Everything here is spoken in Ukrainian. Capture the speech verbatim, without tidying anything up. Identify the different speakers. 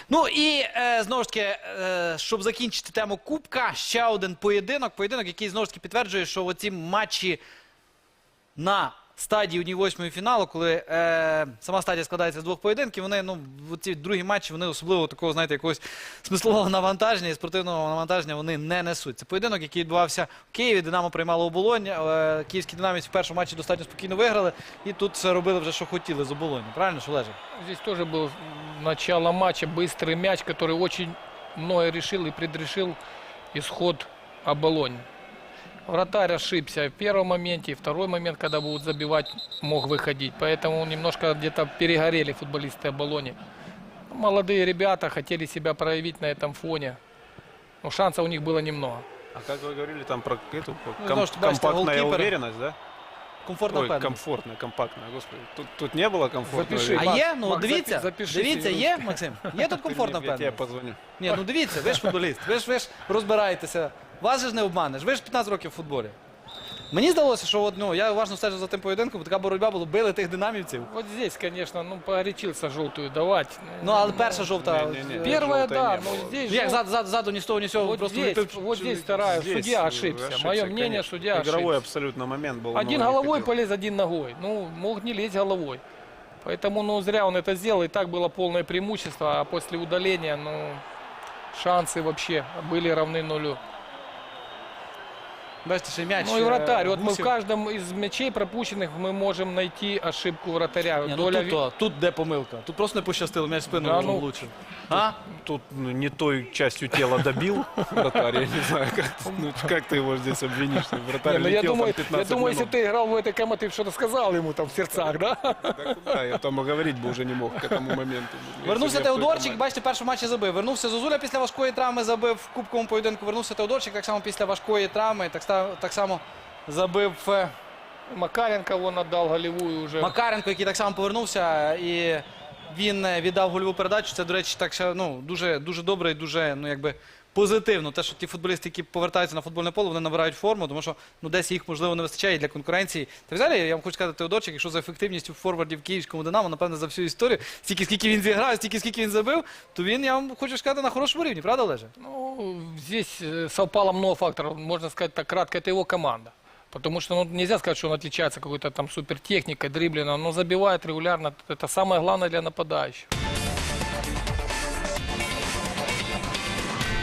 Speaker 1: Ну і е, знову ж таки, е, щоб закінчити тему Кубка, ще один поєдинок. Поєдинок, який знову ж таки підтверджує, що оці матчі на стадії однієї восьмої фіналу, коли е, сама стадія складається з двох поєдинків, вони, ну, ці другі матчі, вони особливо такого, знаєте, якогось смислового навантаження і спортивного навантаження вони не несуть. Це поєдинок, який відбувався в Києві, Динамо приймало Оболонь, е, київські динамівці в першому матчі достатньо спокійно виграли, і тут все робили вже, що хотіли з Оболонью. Правильно, що Олеже?
Speaker 2: Здесь тоже был начало матча, быстрый мяч, который очень многое решил и предрешил исход Оболонь. Вратарь ошибся в первом моменте, и второй момент, когда будут забивать, мог выходить. Поэтому немножко где-то перегорели футболисты Оболони. Молодые ребята хотели себя проявить на этом фоне. Но шансов у них было немного.
Speaker 3: А как вы говорили там про эту
Speaker 1: Ну,
Speaker 3: ком-
Speaker 1: что, бачите,
Speaker 3: компактная
Speaker 1: голкипер.
Speaker 3: уверенность, да?
Speaker 1: Комфортно
Speaker 3: Ой,
Speaker 1: впевнений.
Speaker 3: комфортная, компактная, господи. Тут, тут не было комфортно.
Speaker 2: Запиши.
Speaker 1: А
Speaker 2: Макс,
Speaker 1: є? Ну,
Speaker 2: Макс,
Speaker 1: дивіться,
Speaker 2: запиши
Speaker 1: дивіться,
Speaker 2: собі.
Speaker 1: є, Максим? Є тут комфортна
Speaker 3: Я тебе
Speaker 1: впевненість?
Speaker 3: позвоню.
Speaker 1: Ні, ну дивіться, ви ж футболіст, ви ж, ви ж розбираєтеся. Вас же ж не обманеш, ви ж п'ятнадцять років в футболі. Мені здалося, що от, ну, я уважно стежив за тим поєдинком, така боротьба була, били тих динамівців.
Speaker 2: Вот здесь, конечно, ну погорячился желтую давать.
Speaker 1: Ну, але перша жовта...
Speaker 3: Не-не-не.
Speaker 1: е,
Speaker 2: Первая,
Speaker 3: желтой
Speaker 2: да,
Speaker 3: не
Speaker 2: но
Speaker 3: было.
Speaker 2: здесь...
Speaker 1: Ну, як
Speaker 2: жел-
Speaker 1: зад, зад, ззаду ні з того, ні з цього,
Speaker 2: Вот
Speaker 1: просто
Speaker 2: здесь,
Speaker 1: вліпив.
Speaker 2: вот здесь вторая,
Speaker 3: Здесь
Speaker 2: судья ошибся.
Speaker 3: ошибся,
Speaker 2: Мое мнение,
Speaker 3: конечно.
Speaker 2: судья
Speaker 3: Игровой
Speaker 2: ошибся.
Speaker 3: абсолютно момент был.
Speaker 2: Один
Speaker 3: но он не
Speaker 2: головой
Speaker 3: хотел.
Speaker 2: полез, один ногой. Ну, мог не лезть головой. Поэтому, ну, зря он это сделал. И так было полное преимущество. А после удаления, ну, шансы вообще были равны нулю.
Speaker 1: Бачите, ще й м'яч.
Speaker 2: Ну и
Speaker 1: е,
Speaker 2: вратарь. Вот мы в
Speaker 1: Гусів.
Speaker 2: каждом из мячей пропущенных мы можем найти ошибку вратаря.
Speaker 1: Ні, ну,
Speaker 2: Доля
Speaker 1: тут,
Speaker 2: ви-
Speaker 1: то, тут де помилка. Тут просто не пощастило, м'яч в спину
Speaker 2: Да, ну,
Speaker 1: влучив. А?
Speaker 3: Тут ну, не той частью тела добил вратарь, я не знаю, как, ну, как ты его здесь обвинишь. Вратарь
Speaker 2: Не, ну, я
Speaker 3: летел
Speaker 2: думаю,
Speaker 3: там
Speaker 2: я
Speaker 3: пятнадцать
Speaker 2: думаю, если
Speaker 3: минут.
Speaker 2: бы ты играл в этой команде, ты что-то сказал ему там в сердцах, да?
Speaker 3: Да куда? Я там и говорить бы уже не мог к этому моменту.
Speaker 1: Вернувся
Speaker 3: Если бы я в той
Speaker 1: Теодорчик,
Speaker 3: команде.
Speaker 1: бачите, в першому матчі забив. Вернувся Зозуля після важкої травми, забив в кубковому поєдинку. Вернувся Теодорчик, так само після важкої травми, так, ста- так само забив е,
Speaker 2: Макаренко вон отдал голевую уже.
Speaker 1: Макаренко, який так само повернувся, і він е, віддав гольову передачу. Це, до речі, так ще, ну, дуже, дуже добре і дуже, ну, якби, позитивно. Те, що ті футболісти, які повертаються на футбольне поле, вони набирають форму, тому що, ну, десь їх, можливо, не вистачає і для конкуренції. Та взагалі, я вам хочу сказати, Теодорчик, якщо за ефективністю форвардів в київському Динамо, напевне, за всю історію, стільки, скільки він зіграв, стільки, скільки він забив, то він, я вам хочу сказати, на хорошому рівні, правда, Олеже?
Speaker 2: Ну, здесь э, совпало много факторов. Можно сказать так кратко, это его команда. Потому что ну, нельзя сказать, что он отличается какой-то там супертехникой, дриблингом, но забивает регулярно. Это самое главное для нападающих.